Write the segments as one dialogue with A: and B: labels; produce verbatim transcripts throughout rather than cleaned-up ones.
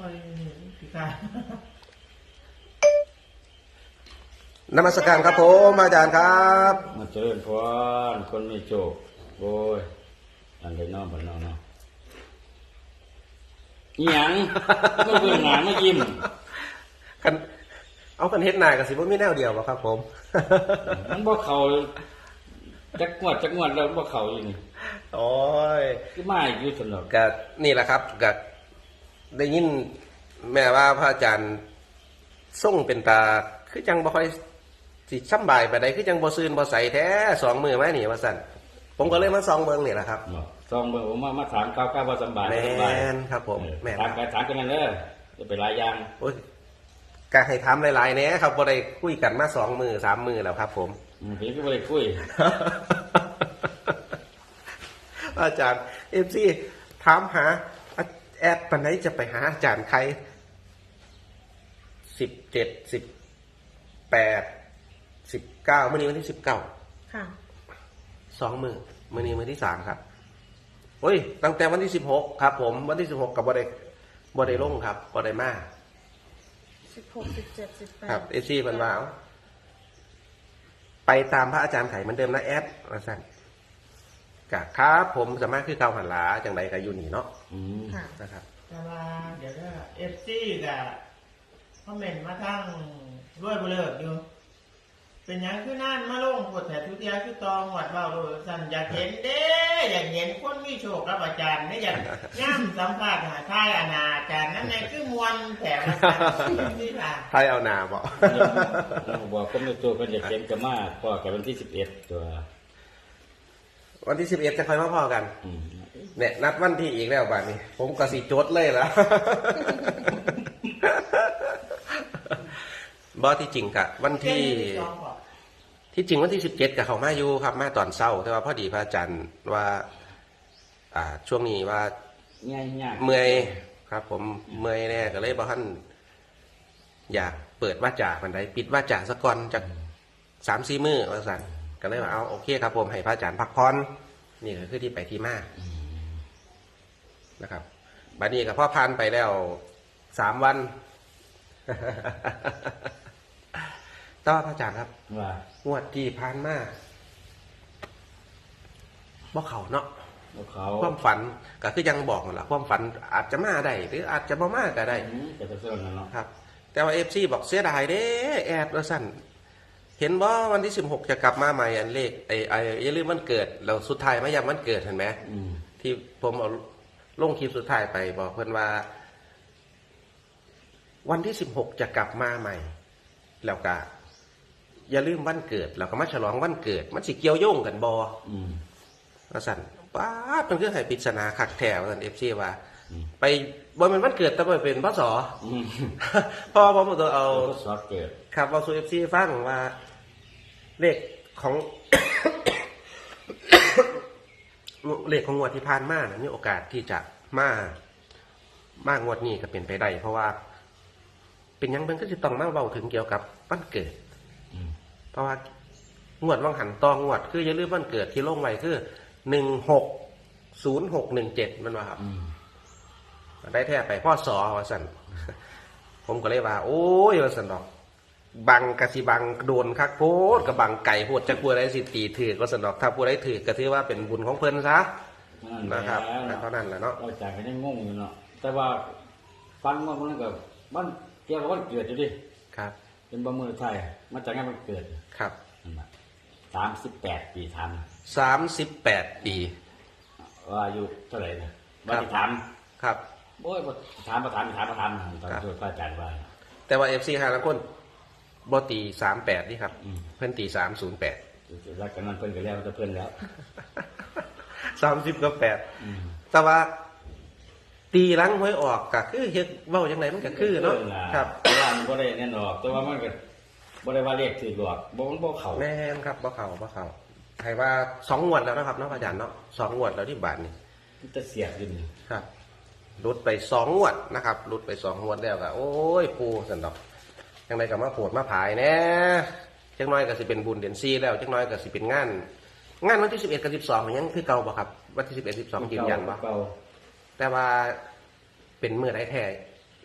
A: ค่อยพิการ
B: นมัสการครับผมอาจารย์ครับ
C: มาเจริญพรคนมีโชคโอ้ยอันใดน้องบ่น้องเนาะอีหยังก็เบิ่งหน้ามายิ้ม
B: กันเอากันเฮ็ดหน้าก็สิบ่มีแนวเดียวบ่ครับผม
C: มันบ่เข้าจักงวดจักงวดแล้วบ่เข้าอยู่นี่
B: โอ้ย
C: คือมาอยู่ซั่นดอก
B: ก็นี่แหละครับก็ได้ยินแม่ว่าพระอาจารย์ทรงเป็นตาคือจังบ่ค่อยสิสำบายปานใดคือจังบ่ซื่นบ่ใสแท้สองมื้อมานี่ว่าซั่นผมก็เลยมาส่องเบิ่งนี่แหละครับ
C: ส่องเบิ่งผมมามาถามก้าวๆว่าสบาย
B: บ่สบายแม่นครับผม
C: แม่นถามไปถามกันนั่นเด้อจะไปหลายอย่าง
B: โอ้ยก็ให้ถามหลายๆแหน่ครับบ่ได้คุยกันมาสองมื้อสามมื้อแล้วครับผม
C: อืมพี่ก็บ่ได้คุย
B: อาจารย์ เอฟ ซี ถามหาแอดปานไหนจะไปหาอาจารย์ใครสิบเจ็ด สิบแปด สิบเก้ามื้อนี้วันที่สิบเก้าค่ะสองมื้อมื้อนี้มื้อที่สามครับโอ้ยตั้งแต่วันที่สิบหกครับผมวันที่สิบหกกับบ่ได้บ่ได้ลงครับบ่ได้มา
D: สิบหก สิบเจ็ด สิบแปด
B: ครับ เอฟ ซี เพิ่นว่าไปตามพระอาจารย์ไข่เหมือนเดิมนะแอดว่าซั่นกะครับผมสามารถคือเก่าหันหลาจังไดก็อยู่นี่เนาะ
C: อืม
B: นะครับ
A: แต่ว่าเดี๋ยวก็เอฟซีก็คอมเมนต์มาทั้งรวยบ่เลิกอยู่เป็นหยังคือนั่นมาลงกดแต่ทุกเดียวคือตองหวัดเบาโดยสั่นอยากเห็นเด้อยากเห็นคนมีโชครับอาจารย์ไม่อยากย่ำสัมภาษณ์หาทายอนาอาจารย์นั่นไงคือมวลแถมนี่ค่ะ
B: ทายเอานาบ่
C: บอกคนมีตัวเพิ่นอยากเห็นก็มาพอกับวันที่สิบเอ็ดตัว
B: วันที่สิบเอ็ดจะค่อยมาพอกันเนี่ยนัดวันที่อีกแล้วบัดนี้ผมก็สิจดเลยล่ะบ่ที่จริงกะวันที่ที่จริงวันที่สิบเจ็ดกับเขามาอยู่ครับมาตอนเช้าแต่ว่าพอดีพระอาจารย์ว่าอ่าช่วงนี้ว่าเมื่อยครับ ผมเมื่อยแน่ก็เลยบ่ทันอยากเปิดวาจาปานใดปิดวาจาซะก่อนจัก สามสี่ มื้อว่าซั่นก็เลยว่าเอาโอเคครับผมให้พระอาจารย์พักผ่อนนี่ก็คือที่ไปที่มานะครับบัดนี้ก็พอผ่านไปแล้วสามวันต่อพระอาจารย์ครับว่างวดที่ผ่านมาบ่เข้าเนาะ
C: บ่เข้า
B: ความฝันก็คือยังบอกนั่นล่ะความฝันอาจจะมาได้หรืออาจจะบ่มาก็ได้
C: อืมก็จะเสื่อมนั่นเนาะ
B: ครับแต่ว่า เอฟ ซี บอกเสียดายเด้แอดว่าซั่นเห็นว่าวันที่สิบหกจะกลับมาใหม่อันเลขไอ้ไอ้อย่าลืมวันเกิดเราสุดท้ายมายังวันเกิดเห็นไหมที่ผมเอาลงคลิปสุดท้ายไปบอกเพื่อนว่าวันที่สิบหกจะกลับมาใหม่แล้วก็อย่าลืมวันเกิดเราก็มาฉลองวันเกิดมันสิเกี่ยวโยงกันบอว่าสั่นป้าเป็นเรื่องให้ปริศนาขักแถวสั่นเอฟซีว่าไปบอลมันวันเกิดแต่ไปเป็นพศพอผมตัวเอา
C: พศเกิด
B: ครับเอาซูเอฟซีฟังว่าเลขของเลขของงวดที่ผ่านมานะมีโอกาสที่จะมามากงวดนี้ก็เป็นไปได้เพราะว่าเป็นยังเป็นก็จะต้องมาเบาถึงเกี่ยวกับวันเกิดเพราะว่างวดว่างหันตองงวดคืออย่าลืมวันเกิดที่ลงไว้คือหนึ่งหกศูนย์หกหนึ่งเจ็ดมันว่าครับได้แท้ไปพ่อสอว่าสันผมก็เลยว่าโอ้ยว่าสันดอกบังกะสิบังโดนคักโพดกับบังไก่โพดจะกลัวอะไรสิตีถือก็สันดอกถ้าผู้ใดถือก็ถือว่าเป็นบุญของเพิ่นซะนะครับเท่านั้นแหละเนาะ
C: อาจารย์ก็ยังงงอยู่เนาะแต่ว่าฟันว่ามันก็มันเกี่ยวกับวันเกิดอยู่ดิ
B: ครับ
C: เป็นบ่มือไทยมาจากงานวันเกิด
B: ครับ
C: สามสิบแปดปีทัน
B: สามสิบแปดปี
C: ว่าอายุเท่าไหร่นะว่าที่ถาม
B: ครับ
C: โอ้ยถามมาถามถามมาถามตอนที่พระอาจารย์ว่า
B: แต่ว่าเอฟซีห้าละคนบอตีสามแปดนี่ครับเพื่อนตีสามศูนย์แปด
C: รักกันนั้นเพื่อนกันแล้วจะเพื่อนแล้ว
B: สามสิบกับแปดแต่ว่าตีหลังหวยออกก็คือเฮ็ดเว้าจังไดมันก็คือเนาะครับ
C: ว่ามันบ่ได้แน่นอนแต่ว่ามันก็บ่ได้ว่าเลขถือหลอกบ่มันบ่เข้า
B: แม่นครับบ่เข้าบ่เข้าใครว่าสองงวดแล้วนะครับเนาะอาจารย์เนาะสองงวดแล้วที่บาทนี่
C: มันจะเสียอยู่นี่
B: ครับหลุดไปสองงวดนะครับหลุดไปสองงวดแล้วก็โอ้ยปูซั่นดอกจังไดก็มาโผดมาผายแน่จังน้อยก็สิเป็นบุญเดือนสี่แล้วจังน้อยก็สิเป็นงานงานวันที่สิบเอ็ดกับสิบสองยังคือเก่าบ่ครับวันที่สิบเอ็ด สิบสองยืนยันบ่แต่ว่าเป็นมื้อใดแท้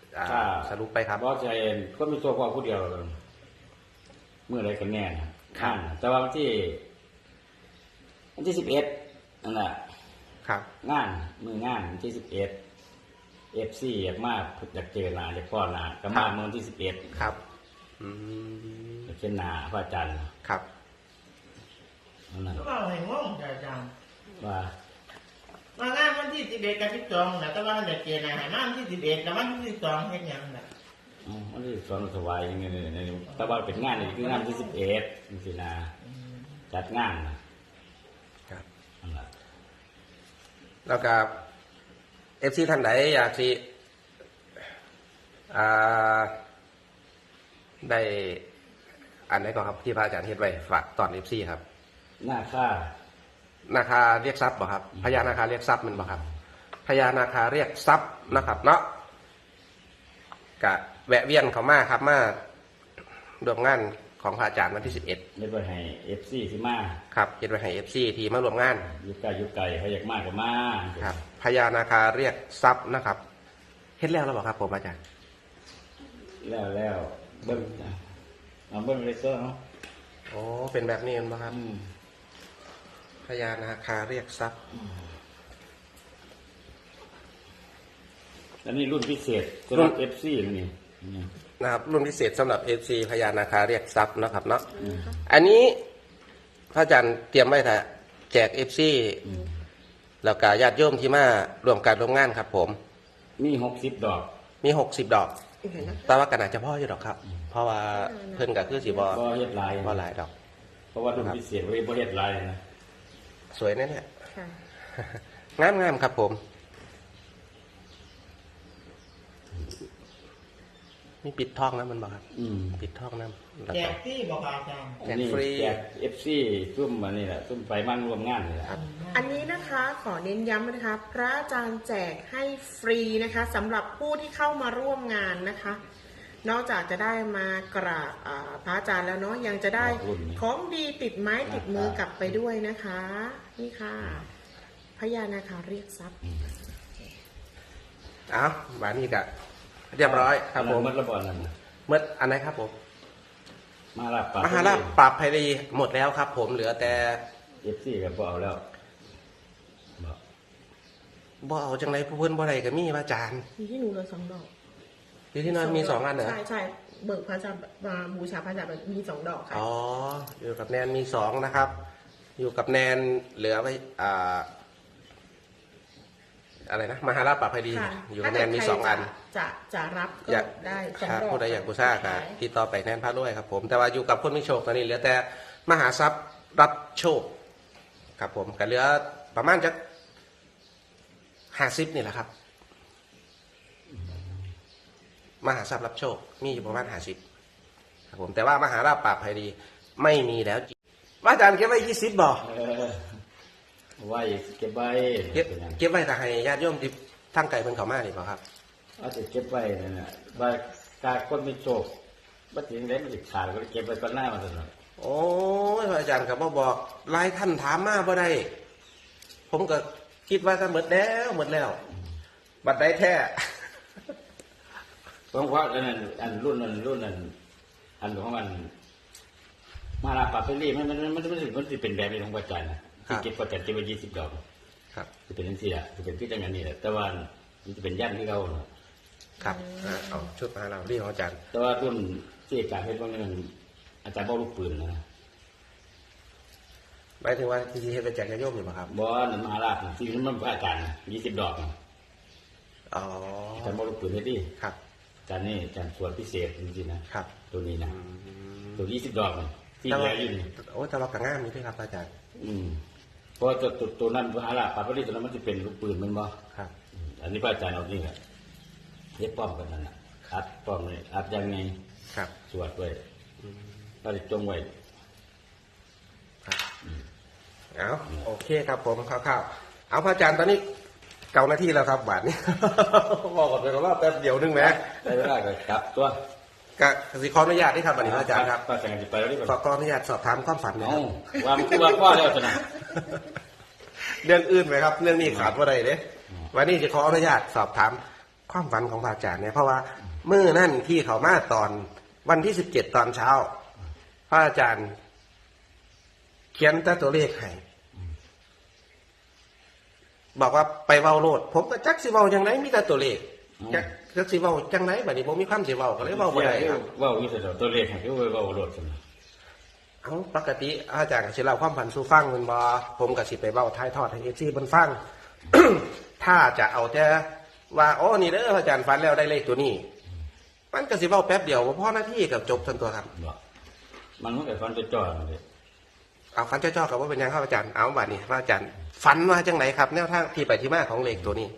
B: อ่า
C: ถ้า
B: สรุปไปครับ
C: บอสใจเองก็มีตัวพ่อผู้เดียวเมื่อไรกันแน่นะข้างแต่ว่าวันที่วันที่สิบเอ็ดนั่นแหละ
B: ครับ
C: งานมืองานวันที่สิบเอ็ดเอฟซีอยากมากอยากเจอหนาอยากพ่อหนาก็มาเมื่อวันที่สิบเอ็ด
B: ครับอืม
C: อยากเช่นหนาพระอาจารย์
B: ครับ
C: นั่นน่ะ
A: ก็ว่าให้งงจ้ะอาจารย์
C: ว่า
A: มางานวันที่สิบเอ็ดกับสิบสองนะแต่ว่าเด็กเกณฑ์อาหารมาวันที่สิบเอ็ดกับวันที่สิบสองเฮ็ดหยังน่ะ
C: อ๋อวันที่สอนถวายยังไงเนี่ยแต่ว่าเป็นงานนี่คืองานที่สิบเอ็ดจริงๆนะจัดงานนะครับ นั่นแหละ
B: แล้วก็เอฟซีท่านไหนอยากสิอ่าได้อันไหนก่อนครับที่พระอาจารย์เฮ็ดไว้ฝากตอนเอฟซีครับ
C: หน้าค่า
B: นาคาเรียกทรัพย์บ่ครับพญานาคาเรียกทรัพย์มันบ่ครับพญานาคาเรียกทรัพย์นะครับเนาะกะแวะเวียนเขามาครับมาร่วมงานของพระอาจารย์วันที่สิบเอ็ด
C: ได้ไปให้เอฟซีที่มา
B: ครับเฮ็ดไว้ให้เอฟซีที่มาร่วมงาน
C: อยู่ไกลอยู่ไกลเขาอยากมากก็มา
B: ครับพญานาคาเรียกทรัพย์นะครับเฮ็ดแล้วแล้วบ่ครับผมอาจารย์
C: แล้วแล้วเบิ้งเอาเบิ้งเลเซอร์เนาะ
B: โอ้เป็นแบบนี้มั้งครับ
C: อืม
B: พญานาคาเรียกทรัพย์
C: อันนี้รุ่นพิเศษสำหรับเอฟซีนี่นี่
B: นะครับรุ่นพิเศษสำหรับเอฟซีพญานาคาเรียกทรัพย์นะครับเนาะ
C: อืม
B: อันนี้พระอาจารย์เตรียมไว้ถ้าแจกเอฟซี
C: อืม
B: แล้วก็ญาติโยมที่มาร่วมการร่วมงานครับผม
C: มีหกสิบดอก
B: มีหกสิบดอก
D: เห็นนะ
B: แต่ว่ากันอาจจะพ่ออยู่ดอกครับ เพราะว่าเพิ่นก็คือสีบอ
C: ก็เฮ็ดลาย
B: บ่หลายดอก
C: เพราะว่ารุ่นพิเศษไว้บ่เฮ็ดลายนะ
B: สวยแน่เนี่ย
D: ค่ะ
B: งามงามๆครับผม มีปิดทองนะมันบอกครับ
C: อืม
B: ปิดทองนะแล้ว
A: แจ
B: ก็
A: กที่บอกอาจารย์
B: แจก
C: นี่
B: ฟรี
C: แจกเอฟซีซุ่มมานี่แหละซุ่มไปมั่งร่วมงานนี่แหละ
D: อันนี้นะคะขอเน้นย้ำนะคะพระอาจารย์แจกให้ฟรีนะคะสำหรับผู้ที่เข้ามาร่วมงานนะคะ นอกจากจะได้มากราบอ่าพระอาจารย์แล้วเนาะยังจะได้ของดีติดไม้ติดมือกลับไปด้วยนะคะ นี่ค่ะพญานาคาเรียกทรัพย์
B: เอาบานนี้ก็เรียบร้อยครับผม
C: มันระบอดนั่นน่ะ
B: เมื่ออันไหนครับผม
C: มาลาปาก
B: มหาราชปราบภัยรีหมดแล้วครับ ผมเหลือแต่
C: เอฟซีก็บ่เอาแล้วบ่
B: บ่เอาจังไรผู้เพิ่นบ่ได้ก็มีพระอาจารย์
D: มีที่หนูเลยสองดอก
B: อยู่ที่นั่นมีสองอันเหรอ
D: ใช่ใช่เบิกพระอาจารย์มาบูชาพระอาจารย์มีสองดอกค่ะ
B: อ๋ออยู่กับแนนมีสองนะครับ อยู่กับแนนเหลือไว้อ่าอะไรนะมหาราชปราบภัยรี
D: ค่ะ
B: อยู่กับแนนมีสองอัน
D: จะจะรับก็
B: อยาก
D: ได้สอง
B: ครับ
D: ดอก
B: ผู้ใดอยากบูชาครับติดต่อไปแนนพระรวยครับผมแต่ว่าอยู่กับคนไม่โชคตอนนี้เหลือแต่มหาทรัพย์รับโชค ครับผมก็เหลือประมาณจะห้าสิบนี่แหละครับ มหาทรัพย์รับโชค มีอยู่ประมาณห้าสิบครับผมแต่ว่ามหาราชปราบภัยรีไม่มีแล้วจริงว่าอาจารย์เก็บไว้ยี่สิบบ่
C: เออไว้เก็บไว้
B: เก็บเก็บไว้แต่ให้ญาติโยมที่ทั้งไก่เพิ่นเขามานี่บ่ครับ
C: อาจจะเก็บไว้นั่นน่ะว่าการคนมีโชคบ่ถึงได้มันสิขาดก็เก็บไว้ก่อนหน้ามันซั่นน่ะ
B: โอ้ยพระอาจารย์ก็บ่บอกหลายท่านถามมาบ่ได้ ผมก็คิดว่าก็หมดแล้วหมดแล้ว บัดได้แท้
C: เพราะว่าอันนั้นอันรุ่นนั้นรุ่นนั้นอันของมันมาลาปาเปรี่มันมันมันมันมันสิมันสิเป็นแบบนี้ของพระอาจารย์นะที่เก็บพระอาจารย์เก็บไว้ยี่สิบดอก
B: ครับ
C: จะเป็นจังซี่ล่ะจะเป็นที่จังนั้นนี่แหละแต่ว่ามันจะเป็นย่านที่เขาน่ะ
B: ครับอ่ะเอาชุดมาให้เราเรียกของอาจารย์
C: แต่ว่ารุ่นที่อาจารย์เฮ็ดว่านั้นอาจารย์บ่ลูกปืนนะ
B: หมายถึงว่าที่เฮ็ดเป็นแจกญาติโยมอยู่บ่ครับ
C: บ่นั่นมหาราชที่มันพระอาจารย์ยี่สิบดอกน่ะ
B: อ๋อ
C: อาจารย์บ่ลูกปืนเฮ็ดดิ
B: ครับ
C: อาจารย์นี่อาจารย์สวดพิเศษจริงๆนะครับ ตัวนี้นะ
B: อืม
C: ตัวยี่สิบดอกน่ะที่
B: แต่
C: เหลื
B: ว่า
C: ออยู่นี่
B: โอ้แต่ว่ากระง่ามนี่ด้วยครับอาจารย์
C: อืมเพราะว่าตัวตัวตัวนั้นมหาราชปาปริตัวนั้นมันจะเป็นลูกปืนแมันบ่
B: ครับ
C: อืมอันนี้พระอาจารย์เอานี่แหละเย็บป้อมกันนั่นน่ะอัดป้อมเลยอัดยังไง
B: ครับ
C: สวดไว้พระจงไว้
B: ครับเอาโอเคครับผมคร่าวๆเอาพระอาจารย์ตอนนี้เก้านาทีแล้วครับบาทนี้ บอกกันไปว่าแป๊บเดียวนึงแหม
C: ได้เวลาก็กลับตัว
B: ก็สิขออนุญาตที่ครับวันนี้พระอาจารย์ครับ
C: พระอาจารย์จะไปแล้วนี่
B: ขอขออนุญาตสอบถามความฝันหนะค
C: เอ้า
B: รับ
C: ว่ามันคือว่าพ่อแล้วสินะ
B: เรื่องอื่นไหมครับ เรื่องนี้ขาดว่าใดเด้วันนี้จะขออนุญาตสอบถามความฝันของพระอาจารย์เนี่ยเพราะว่าเมื่อนั่นที่เขามาตอนวันที่สิบเจ็ดตอนเช้าพระอาจารย์ เขียนแต่ตัวเลขให้บอกว่าไปเว้าโลดผมก็จักสิเว้าจังไดมีแต่ตัวเลขจักจักสิเว้าจังไดบัดนี้บ่มีความสิเว้าก็เลยเว้าบ่ได้ครับ
C: เว้าอยู่แต่ตัวเลขให้คือเว้าโลดซั่น
B: เอ้าปกติอาจารย์ก็สิเล่าความฝันสู่ฟังแม่นบ่ผมก็สิไปเว้าท้ายทอดให้ เอฟ ซี เพิ่นฟัง ถ้าจะเอาแต่ว่าโอ้นี่เด้ออาจารย์ฝันแล้วได้เลขตัวนี้มันก็สิเว้าแป๊บเดียวบ่พอนาทีก็จบซั่นตัวครับ
C: บ่มันมันก็ฟันจะจ่อเลย
B: เอาฝันจ้อๆกับว่าเป็นยังครับอาจารย์เอาบัดนี้ว่าอาจารย์ฝันว่าจังไหนครับแนวทางที่ไปที่มาของเลขตัวนี้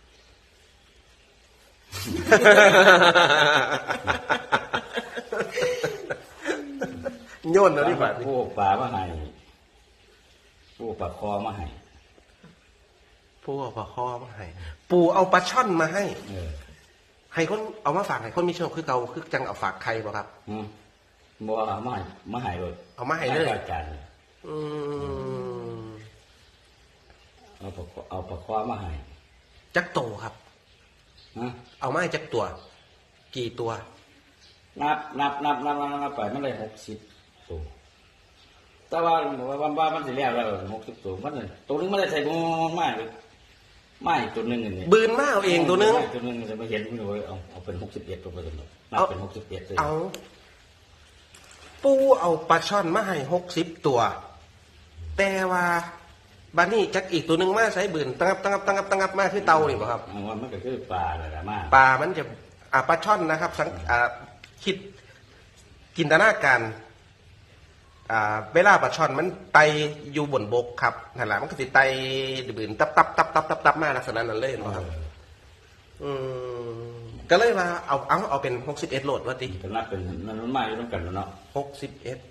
B: โยนแล้วนี่บัดนี้
C: ผู้ป่ามาให้ผู้ป่าคอมาให้
B: ปูเอาปลาคอมาให้ปูเอาปลาช่อนมาให้
C: เออ
B: ให้คนเอามาฝากให้คนมีโชคคือเก่าคือจังเอาฝากใครบ่ครับ
C: อืมบ่เอามาให้มาให้เลย
B: เอามาให้เลย
C: อาจารย์
B: อืม
C: เอาปลาเอาปลาคอมาให้
B: จักโตครับ
C: ฮะ
B: เอามาให้จักตัว กี่ตัว
C: นับนับนับนับนับนับไปมันเลยหกสิบตัวแต่ว่าว่าว่ามันสิแล้วแล้วหกสิบตัวมันน่ะตัวนึงมันได้ใส่บุ้งมากเลยไม่ตัวนึงนี่
B: บืนมาเอาเองตัวนึง
C: ตัวนึงจะไม่เห็นมันเลยเอาเอาเป็นหกสิบเอ็ดตัวไปตัวนึงนับ
B: เอา
C: เป็นหกสิบเอ็ดเลย
B: เอา ปูเอาปลาช่อนมาให้หกสิบตัว แต่ว่าบัดนี้จักอีกตัวหนึ่งมาใช้บืนตั้งับตั้งับตั้งับตั้งับมาคือเตานี่บ่ครับ
C: เอาว่ามันก็คือปลาแหละมาก
B: ปลามันจะอ่าปลาช่อนนะครับสังอ่าคิดจินตนาการอ่าเวลาปลาช่อนมันไตอยู่บนบกครับนั่นแหละมันก็สิไตบืนตับตับตับตับตับตับมาลักษณะนั้นเลยบ่ครับอืมก็เลยว่าเอาเอาเอาเป็นหกสิบเอ็ดโหลดว่าติ
C: ก็นับเป็นมันมันมาอยู่ต้องกันแล้วเนาะ
B: หกสิบเอ็ด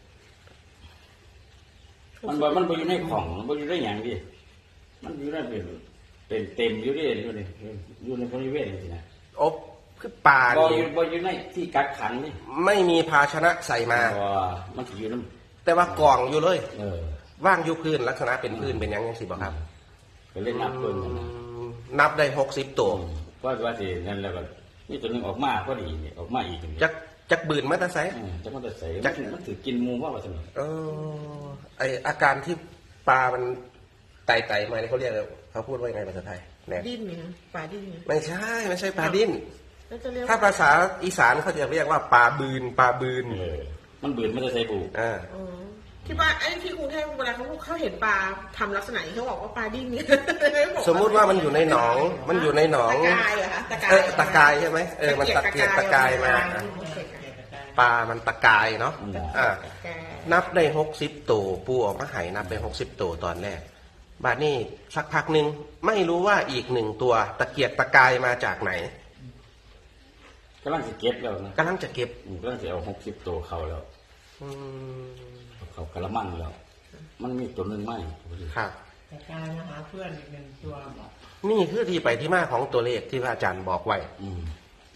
C: มันบ่มันบ่อยู่ในของมันบ่อยู่ในอย่างดิมันอยู่ในเป็นเป็นเต็มอยู่ดิอยู่นี่อยู่ในบริเวณนี่นะ
B: อบคือปลา
C: บ่อ
B: นี่
C: ยู่บ่อยู่ในที่กักขังนี่
B: ไม่มีภาชนะใส่มา
C: บ่มันสิอยู่น้
B: แต่ว่ากองอยู่เลย
C: ำเออ
B: ว่างอยู่พื้นลักษณะเป็นพื้นเป็นหยังยังสิบ่ครับ
C: ก็เล่นนับตัวนั่นนะ
B: อืมนับได้หกสิบตัว
C: เพราะว่าสินั่นแล้วก็นี่ตัวหนึงออกมาพอดีนี่ออกมาอีกนี่
B: จักจักบืนมาแตาไซ
C: เออจะมันจะใส่
B: จั
C: มัน
B: ก
C: มันถือกินหมูว่าว่าซั่นน่ะ
B: เออไออาการที่ปลามันไต่ไต่มาเนี่ยเขาเรียกเขาพูดว่ายังไงภาษาไทยแน่
D: ดิ้นเนี่ยปลาดิ้นเนี่ย
B: ไม่ใช่ไม่ใช่ปลาดิ้น
D: แล้วจะเรียก
B: ถ้าภาษาอีสานเขาจะเรียกว่าปลาบืนปลาบืน
C: เออมันบืนมันจะใส่บู
B: อ่า
D: อ๋อที่บ้านไอ้ที่กรุงเทพเวลาเขาเขาเห็นปลาทำลักษณะนี้เขาบอกว่าปลาดิ้นเนี่ย
B: สมมุติว่ามันอยู่ในหนอง มันอยู่ในหนอง
D: ตะกายเหรอคะตะกาย
B: เออตะกายใช่ไหมเออมันตะเกียกตะกายมา ปลามันตะกายเนาะอ่า
D: ตะกาย
B: นับได้หกสิบตัวปูออกมาใหายนับได้หกสิบตัวตอนแรกบาดนี้สักพักหนึ่งไม่รู้ว่าอีกหนึ่งตัวตะเกียกตะกายมาจากไหน
C: กำลังสิเก็บแล้วนะ
B: กำลังจะเก็บ
C: อืมกำลังสิเอาหกสิบตัวเข้าแล้ว
B: อืม
C: เขากระมังแล้ว มันมีตัวหนึงไหม
B: ครับ
A: แต่กลายมาหาเพื่อนอีกหนึ่งตัวบอก
B: นี่คือที่ไปที่มาของตัวเลขที่พระอาจารย์บอกไว้
C: อืม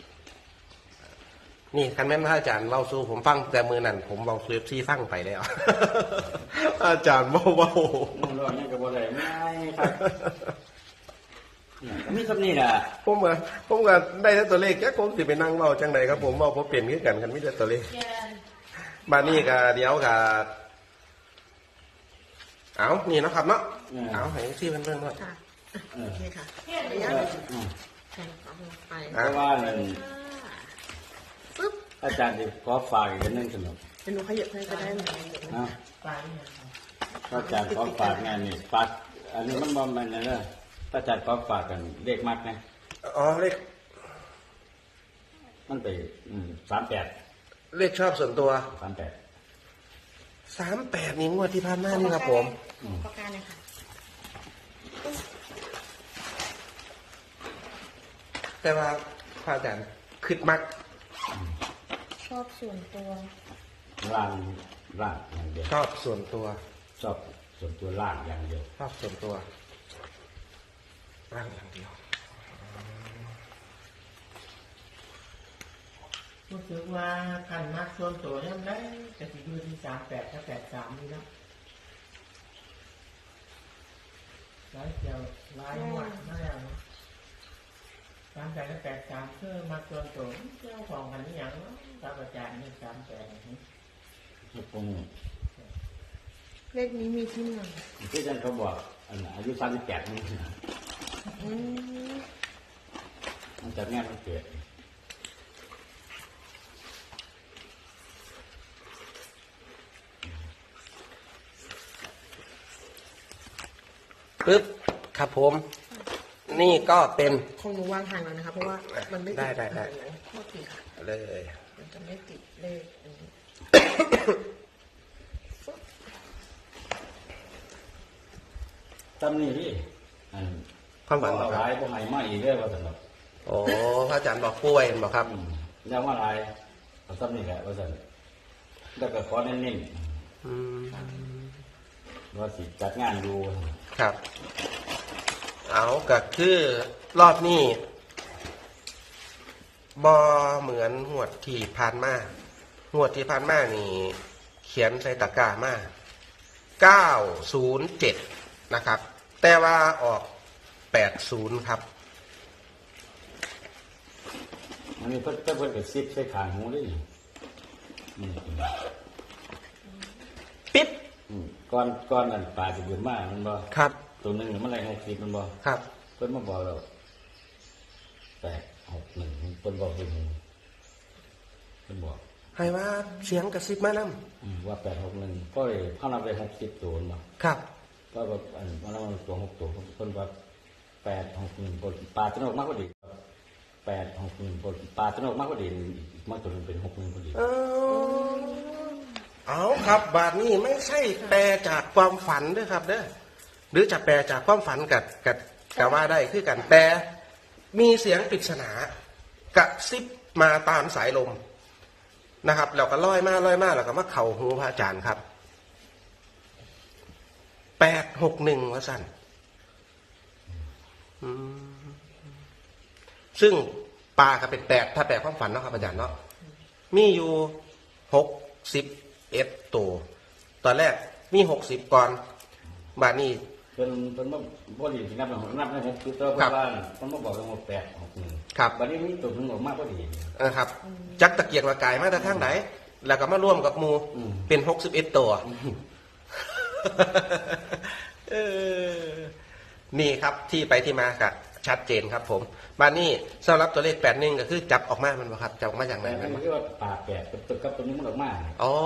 B: นี่คันแม่นพระอาจารย์เล่าสู้ผมฟังแต่มือนั่นผมเบาซูฟซี่ฟังไปแล้ว อาจารย์เบาเบา
C: นี่รอดนี่ก็บ่ได้ไม่ครับเนี่ยก็มีคำนี้ล่ะ
B: ผมก็ผมก็ได้แต่ตัวเลขแค่ผมสิไปนั่งเบาจังใดครับผมเบาผมเปลี่ยนขึ้นกันกันไม่ได้ตัวเลขบานี่ก็เดี๋ยวก็เอานี่เนาะครับเนาะเอาให้ที่เพื่อนๆว่า
D: ค่ะโอเคค่ะระ
C: เอย
D: ะ
C: ออืม
D: แข่งเอาไป
C: เพราะว่านั่น
D: ปึ๊บ
C: อาจารย์จะขอฝากอีกอันหนึงสนุก
D: เดี๋ยวหนูขยับให้ก็ได้ไหม
C: นะ
A: ปลาเนี่ยครับ
C: อาจารย์ขอฝากงานนี่ฝากอันนี้มันบ่แม่นนะเด้ออาจารย์ขอฝากกันเลขมักนะ
B: อ๋อเลข
C: มันไปอืมสามแปด
B: เลขชอบส่วนตัว
C: สามแปด
B: สามแปดนี่งวดที่ผ่านมานี่ครับผม
D: ประการเลยค่ะ
B: แต่ว่าพระอาจารย์คิดมัก
D: ชอบส่วนตัว
C: ล่างล่างอย่างเดียว
B: ชอบส่วนตัว
C: ชอบส่วนตัวล่างอย่างเดียว
B: ชอบส่วนตัวร่างอย่างเดียว
A: รู้สึกว่าขันมักส่วนตัวยังได้จะสิดูที่สามแปดถ้าแปดสามนี่นะร้ายเดียวร้ายหมดไม่แล้วนะสามแปดกับแปดสามคือมาส่วนตัวเจ้าของกันนี่ยังเนาะครับอาจารย์นี่สามแปดนี่
C: ทุกคน
D: เลขนี้มีที่ไหน
C: ที่อาจารย์เขาบอกอันอายุสามสิบแปดนี่
D: อืม
C: มันจะแม่มันเกิด
B: ปึ๊บครับผม นี่ก็เป็น
D: คงหนูวางห่างแล้วนะคะ เพราะว่ามันไม่ติ
B: ได้ได้ได้
D: โทษทีค่ะ
B: เลย
D: มันจะไม่ติดเลขอันนี้
C: ตำนี่พี่อัน
B: ความหวัง
C: เอา
B: ค
C: ห
B: รับ
C: ลายพวกใหม่มาอีกเรื่อยว่าสำหรับ
B: โอ้พระอาจารย์บอกป่วยบอกครับ
C: อืมแล้วว่าหลายเอาตำนี่แหละว่าสำหรับแล้วก็ขอเน้น
B: อืม
C: ๆว่าสิจัดงานดู
B: ครับ เอาก็คือรอบนี้บอเหมือนหวดที่ผ่านมาหวดที่ผ่านมานี่ เขียนใส่ตะกร้ามาเก้าศูนย์เจ็ดนะครับ แต่ว่าออกแปดศูนย์ครับ
C: มันมีเพิ่นเพิ่นกับซิปใส่ขางหูด้วยนี่อืม
B: ปิด
C: อืมก้อนก้อนนั่นปลาจะเบือนมากมันบ่
B: ครับ
C: ตัวหนึ่งมันอะไรหกสิบมันบ่
B: ครับ
C: เพิ่นมาบอกเราแปดหกหนึ่งเพิ่นบอกเป็นเพิ่นบอก
B: ให้ว่าเสียงกระซิบมานำ
C: อืมว่าแปดหกหนึ่งก็เลยเข้านับไปหกสิบตัวมา
B: ครับ
C: ก็แบบอันมันมันตัวหกตัวเพิ่นว่าแปดหกหนึ่งปลาตนกมากกว่าดีแปดหกหนึ่งปลาตนกมากกว่าดีอีกมากตัวหนึงเป็นหกหนึ่งพอดี
B: เออเอาครับ บาทนี้ไม่ใช่แปลจากความฝันด้วยครับเด้อหรือจะแปลจากความฝันกับกับกับว่าได้คือกันแต่มีเสียงปริศนากระซิบมาตามสายลมนะครับเราก็ลอยมาลอยมาแล้วก็มาเข่าหูพระอาจารย์ครับแปดหกหนึ่งวะสั่นอืมซึ่งปลาก็เป็นแปดถ้าแปลความฝันเนาะครับอาจารย์เนาะมีอยู่หกสิบเอ็ดตัวตอนแรกมีหกสิบก่อนบาทนี้
C: เพิ่นเพิ่นบ่บ่ดีสินับนับในหกคือตัวเพิ่นว่าเพิ่นมาบอกว่าหกแปดหกหนึ่ง
B: ครับ
C: บัดนี้มีตัวหนึงออกมาพอดี
B: นะครับ จักตะเกียกตะกายมาแต่ทางไหน แล้วก็มาร่วมกับหมู
C: อืม
B: เป็นหกสิบเอ็ดตัว เออนี่ครับที่ไปที่มากับชัดเจนครับผมบานนี้สำหรับตัวเลขแปดหนึ่งก็คือจับออกมามันบ่ครับจับออกมาอย่างไร
C: แต่
B: มั
C: มัน น
B: บ่
C: คือว่าปลาแปดกับตัวกับตัวนี้มันออกมา
B: อ๋อ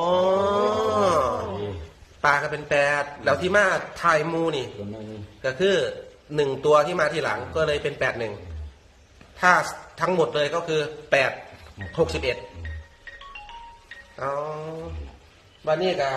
B: ปลาก็เป็นแปดแล้วที่มาทายมูนี่
C: ตัวนึง
B: ก็คือหนึ่งตัวที่มาทีหลังก็เลยเป็นแปดหนึ่งถ้าทั้งหมดเลยก็คือแปดหกสิบเอ็ดอ๋อบ้านนี้ก็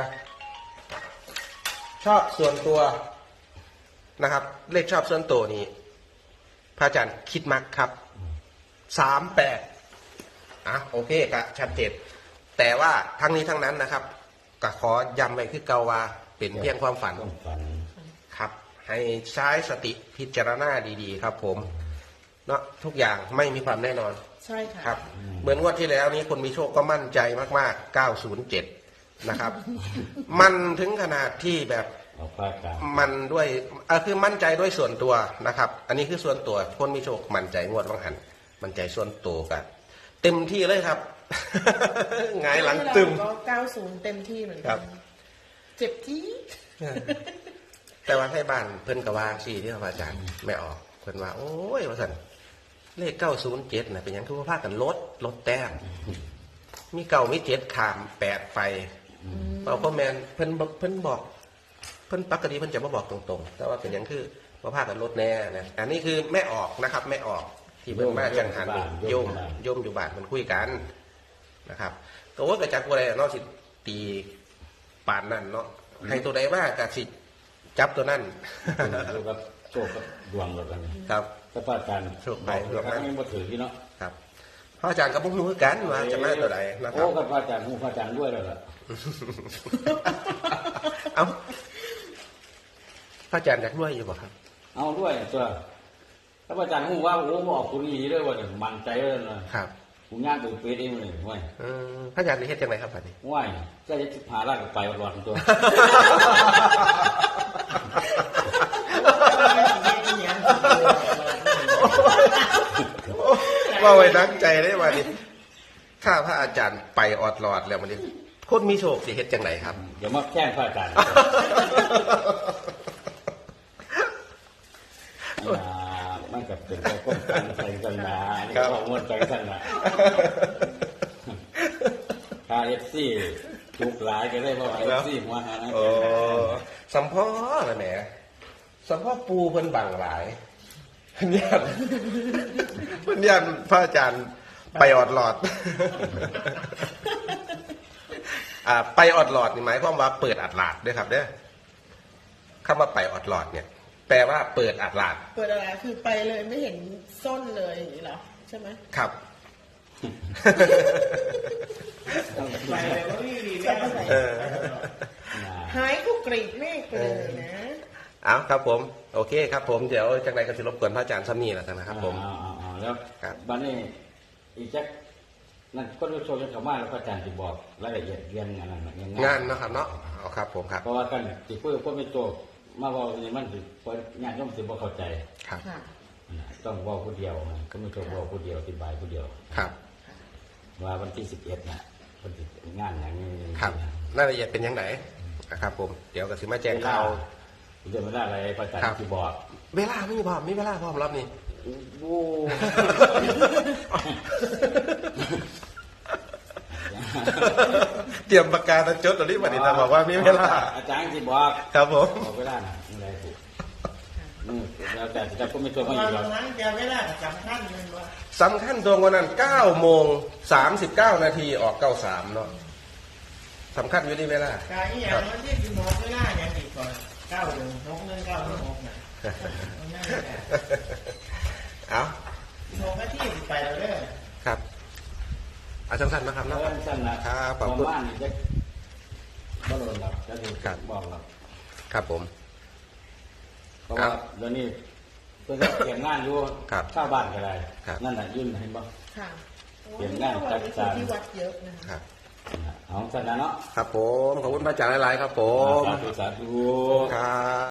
B: ชอบส่วนตัวนะครับ เลขชอบส่วนตัวนี้พระอาจารย์คิดมักครับสามแปดอ่ะโอเคก็ชัดเจนแต่ว่าทั้งนี้ทั้งนั้นนะครับก็ขอย้ำไว้คือเกาว่าเป็นเพียงความฝัน
C: ต้องฝัน
B: ครับ ให้ใช้สติพิจารณาดีๆ ครับผมเนาะทุกอย่างไม่มีความแน่นอน
D: ใช่ค่ะ
B: ครับ เหมือนงวดที่แล้วนี้คนมีโชคก็มั่นใจมากๆ เก้าศูนย์เจ็ด นะครับ มันถึงขนาดที่แบบ
C: เอาปลากลาง
B: มันด้วยเออคือมั่นใจด้วยส่วนตัวนะครับ อันนี้คือส่วนตัวคนมีโชคมั่นใจงวดวังหัน มั่นใจส่วนตัวกันเต็มที่เลยครับ หงายหลังตึม
D: ก็เก้าศูนย์เต็มที่เหมือน
B: ครั
D: กับ นเจ็บที่
B: แต่ว่าให้บ้านเพิ่นกว่าสี่ที่พระอาจารย์ไม่ออกเพิ่นว่าโอ้ยว่าสันเลขเก้าศูนย์เจ็ดนะเป็นหยังทุกภาคกันลดลดแต้มมีเก่ามีเจ็ดขามแปดไปเปล่าพ่อแมนเพิ่นบอกเพิ่นบอก เพิ่นปกติเพิ่นจะมาบอกตรงๆ แต่ว่าเป็นหยังคือว่าภาคกันลดแน่นะอันนี้คือแม่ออกนะครับแม่ออกที่เพิ่นมาจังหันโยมโยมอยู่บ้านมันคุยกันนะครับตัวว่ากระจักอะไรเนาะสิตีปานนั่นเนาะให้ตัวใดว่ากะสิจับตัวนั่น
C: อยู่กับโชคกับดวงเรากัน
B: ครับ
C: ก็ป้าการ
B: โชคไป
C: ดวงนั้นยังบ่ถือที่เนาะ
B: ครับพระอาจารย์ก็บ่รู้คือกันว่าจะมาตัวใดนะค
C: โอ้
B: รับ
C: กับป้าการหูป้าการด้วยแล้วล่ะ
B: เอ้าพระอาจารย์อยากรวยอยู่บ่ครับ
C: เอาด้วยตัวถ้าป้าการหูว่าโอ้บอกตัวนี้เลยว่าเนี่ยมันใจเลยนะครับ กูงานตัวเป็ดเองเลยห้วย
B: เออพระอาจารย์เฮ็ดจังไดครับบัดนี้
C: ห้วยก็จะสิบหาลากไปวัดๆตัว
B: โอ้ว่าไว้นักใจได้วันนี้ข้าพระอาจารย์ไปออดหลอดแล้ววันนี้คนมีโชคสิเฮ็ดจังไหนครับ
C: เดี๋ยวมาแจ้งพระอาจารย์อ่ามันกับเป็นการก้มกันใส่กันนะนี่ก็มวนใจสั่นนะคาเอฟซีจุกหลายก็ได้เพราะเอฟซีหัวหานะ
B: โอ้สัมพ่อละแหมสัมพ่อปูเพิ่นบังหลายเพิ่นยันเพิ่นยันพระอาจารย์ไปออดหลอดอ่าไปออดหลอดนี่หมายความว่าเปิดอัดหลาดด้วยครับเด้อคำว่าไปออดหลอดเนี่ย แปลว่าเปิดอัดหลาด
D: เปิดอะไรคือไปเลยไม่เห็นส้นเลยอย่างนี้เหรอใช่ไหม
B: ครับ
A: ไปเลยว่าพี่ดีแม่
B: เออ
D: หายกูกรีดเมฆไปเลยนะ
B: เอาครับผม โอเคครับผมเดี๋ยวจังไรก็จะรบกวนพระอาจารย์ซ้ำนี่แหละนะครับผม
C: อ่าอ่าอ่าแล้ว
B: ครับ
C: บัดนี้อีกจักนั่นก็รู้ชมกันเขามาแล้วพระอาจารย์จะบอกรายละเอียดเรียนงานนั้นนะ
B: งานเนาะครับเนาะเอาครับผมครับ
C: เพราะว่ากันที่พูดพูดไม่โจบมาบอกนี่มันสิเพราะงานย่อมสิบ่เข้าใจ
B: ครับ
D: ค่ะ
C: นะต้องบอกผู้เดียวนะก็ไม่โจบบอกผู้เดียวอธิบายผู้เดียว
B: ครับ
C: ว่าวันที่สิบเอ็ดน่ะวันที่งานอย่างนี้
B: ครับรายละเอียดเป็นยังไงนะครับผมเดี๋ยวก็สิมาแจ้งข่าว
C: เรื่องไม่ได้อะไรพระอาจาร
B: ครับ
C: ย์ที่บอก
B: เวลาไม่มีพร้อมมีเวลาพร้อมรอบนี้
C: โอ้
B: เตรียมประกาศจดตอนนี้วันนี้นะบอกว่ามีเวลา
C: อาจารย์ที่บอก
B: ครับผม
C: บอกเวลาน่ะอะไรถูกอืมแล้วแต่จะก็ไม่โจบ
A: ตอ
C: ไม่อยู่หรอก
A: นนั้นแกไม่ได้สำคัญเลยว่า
B: สำคัญตรงวันนั้นเก้าโมงสามสิบเก้านาทีออกเก้าสามเนาะสำคัญอยู่ที่เวลา
A: การที่อย่างนั้นที่สิบหกไม่ได้อย่างอีกก่อนเก้าหนึ่งหกหนึ่งเก้าหนึ่งหกน่ะนั่นแหละ
B: เอา
A: หกนาทีสิไปแล้วเด้อ
B: ครับเอาสั้นๆนะครับ
C: แล้
B: เนาะ
C: วสั้นนะครับ
B: ขอบคุณ
C: บ้านนี่จะบ่โดนหรอกจะดู
B: ครับ
C: บอกหรอก
B: ครับผม
C: เพราะว่าเดี๋ยวนี้เพื่อนก็เขียนงานอยู่
B: ครับ
C: ข้าวบ้านก็ได้
B: ครับ
C: นั่นน่ะยื่นเห็นบ่
D: ค่ะ
C: เปลี่ยนงานจัดการ
D: ที่วัดเยอะนะคะ
B: ครับ
C: เอาสั้นนะเนาะ
B: ครับผม ขอบคุณพระอาจารย์หลายๆครับผม
C: สาธุสาธุ
B: ครับ